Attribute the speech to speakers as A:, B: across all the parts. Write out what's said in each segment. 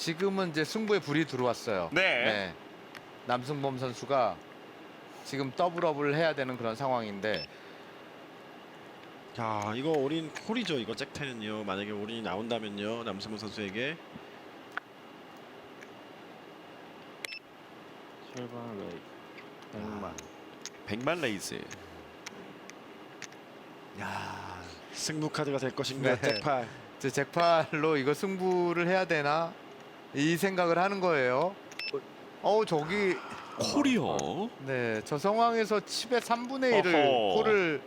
A: 지금은 이제 승부에 불이 들어왔어요.
B: 네.
A: 남승범 선수가 지금 더블업을 해야 되는 그런 상황인데
C: 자, 이거 올인 콜이죠. 이거 잭텐은요. 만약에 올인이 나온다면요. 남승범 선수에게.
D: 7번 레이 100만.
B: 100만 레이즈.
C: 야, 승부 카드가 될 것인가?
A: 네.
C: 잭팔.
A: 이제 잭팔로 이거 승부를 해야 되나 이 생각을 하는 거예요. 저기
B: 콜이요.
A: 네, 저 상황에서 칩의 3분의 1을
B: 어허.
A: 콜을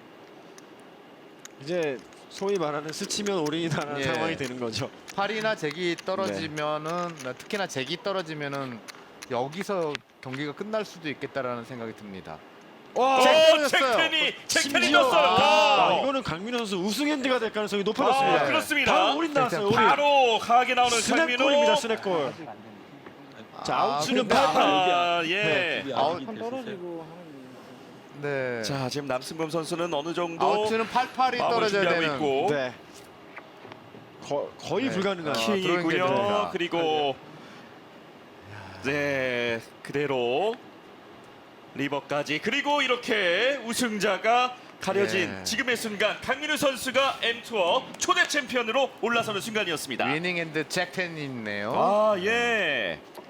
C: 이제 소위 말하는 스치면 올인이라는
A: 예.
C: 상황이 되는 거죠.
A: 팔이나 잭이 떨어지면은 특히나 잭이 떨어지면은 여기서 경기가 끝날 수도 있겠다라는 생각이 듭니다.
B: 와,
A: 잭 떨어졌어요.
B: 잭텐이
C: 심지어
B: 떴어요.
C: 이거는 강민호 선수 우승 핸디가 될 가능성이 높아졌습니다.
B: 그렇습니다.
C: 바로 올인 나왔어요. 올인.
B: 바로 강하게 나오는
C: 스냅골입니다.
B: 강민호.
C: 스냅골. 자, 아웃수는
A: 근데
C: 88.
B: 아, 예.
A: 아웃
D: 떨어지고 하는.
A: 네.
B: 자, 지금 남승범 선수는 어느 정도
A: 아웃수는 88이
B: 마음을
A: 떨어져야
B: 준비하고
A: 되는.
B: 있고
C: 네. 거의
A: 네.
C: 불가능한.
A: 들어온 게
B: 킹이고요.
A: 됩니다.
B: 그리고 네, 그대로 리버까지 그리고 이렇게 우승자가 가려진
A: 예.
B: 지금의 순간 강민우 선수가 M투어 초대 챔피언으로 올라서는 순간이었습니다.
A: 위닝 핸드 잭텐이 있네요.
B: 아, 예.